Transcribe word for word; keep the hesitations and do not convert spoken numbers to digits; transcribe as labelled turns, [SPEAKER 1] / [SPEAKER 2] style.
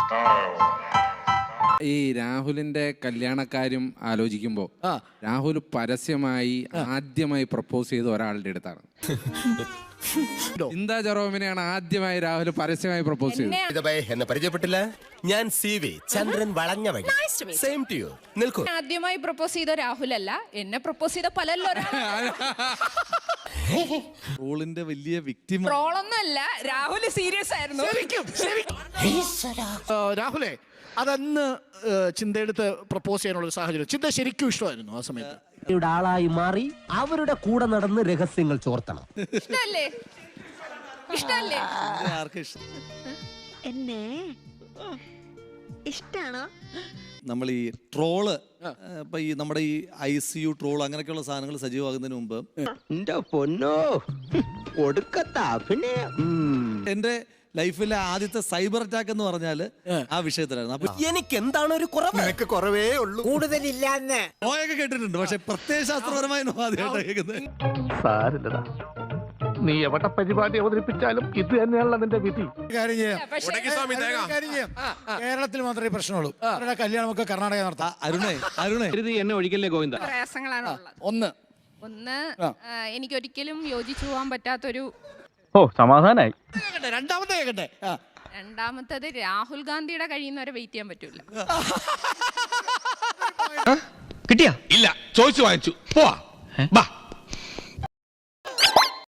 [SPEAKER 1] ഈ രാഹുലിന്റെ കല്യാണക്കാര്യം ആലോചിക്കുമ്പോ രാഹുൽ പരസ്യമായി ആദ്യമായി പ്രപ്പോസ് ചെയ്ത ഒരാളുടെ അടുത്താണ്. ചിന്താ ജെറോമിനെയാണ് ആദ്യമായി രാഹുൽ പരസ്യമായി പ്രപ്പോസ് ചെയ്തത്.
[SPEAKER 2] എന്നെ പരിചയപ്പെട്ടില്ല, ഞാൻ സി വി ചന്ദ്രൻ വളഞ്ഞ വഴി. Same to you. നിൽക്കൂ.
[SPEAKER 3] ആദ്യമായി പ്രപ്പോസ് ചെയ്ത രാഹുൽ അല്ല, എന്നെ പ്രപ്പോസ് ചെയ്ത പലല്ലോ.
[SPEAKER 4] ട്രോളിന്റെ വലിയ വിക്ടിം
[SPEAKER 3] ട്രോളൊന്നുമല്ല, രാഹുൽ സീരിയസ് ആയിരുന്നു.
[SPEAKER 5] രാഹുലേ, അതന്ന് ചിന്തയെടുത്ത് പ്രപ്പോസ് ചെയ്യാനുള്ള സാഹചര്യം ചിന്ത ശരിക്കും ഇഷ്ടമായിരുന്നു ആ സമയത്ത്.
[SPEAKER 6] ആളായി മാറി അവരുടെ കൂടെ നടന്ന് രഹസ്യങ്ങൾ ചോർത്തണം.
[SPEAKER 3] ഇഷ്ടല്ലേ? ഇഷ്ടല്ലേ?
[SPEAKER 7] എന്നെ ഇഷ്ടാണോ?
[SPEAKER 4] നമ്മൾ ഈ ട്രോള് ഇപ്പൊ ഈ നമ്മുടെ ഈ ഐ സി യു ട്രോൾ അങ്ങനെയൊക്കെയുള്ള സാധനങ്ങൾ സജീവമാകുന്നതിന് മുമ്പ്
[SPEAKER 6] പൊന്നോ ഒടുക്കത്താ പിന്നെ
[SPEAKER 4] എന്റെ ലൈഫിലെ ആദ്യത്തെ സൈബർ അറ്റാക്ക് എന്ന് പറഞ്ഞാല് ആ വിഷയത്തിലായിരുന്നു. അപ്പൊ
[SPEAKER 2] എനിക്ക് എന്താണ് ഒരു കുറവ്? എനിക്ക് കുറവേ ഉള്ളൂ, കൂടുതലില്ലാന്ന്
[SPEAKER 4] നോയൊക്കെ കേട്ടിട്ടുണ്ട്, പക്ഷെ പ്രത്യയശാസ്ത്രപരമായി ആദ്യമായിട്ട് കേൾക്കുന്നത്.
[SPEAKER 8] സാരില്ലടാ, നീ എവിടെ പരിപാടി അവതരിപ്പിച്ചാലും ഇത് തന്നെയാണല്ലോ നിന്റെ വിധി.
[SPEAKER 5] കാര്യം ചെയ്യാം, കേരളത്തിൽ മാത്രമേ പ്രശ്നമുള്ളൂ. അവരുടെ കല്യാണമൊക്കെ കർണാടക നടത്താം.
[SPEAKER 4] അരുണേ അരുണേ
[SPEAKER 8] എന്നെ ഒഴിക്കല്ലേ ഗോവിന്ദ.
[SPEAKER 3] പ്രയാസങ്ങളാണ് ഉള്ളത്.
[SPEAKER 5] ഒന്ന്
[SPEAKER 3] ഒന്ന് എനിക്കൊരിക്കലും യോജിച്ചു പോകാൻ പറ്റാത്തൊരു.
[SPEAKER 8] ഓ, സമാധാനായി.
[SPEAKER 5] രണ്ടാമത്തെ കേട്ടെ.
[SPEAKER 3] രണ്ടാമത്തത് രാഹുൽ ഗാന്ധിയുടെ കഴിയുന്നവരെ വെയിറ്റ് ചെയ്യാൻ പറ്റൂല.
[SPEAKER 6] കിട്ടിയാ
[SPEAKER 9] ഇല്ല, ചോദിച്ചു വാങ്ങിച്ചു. പോവാ.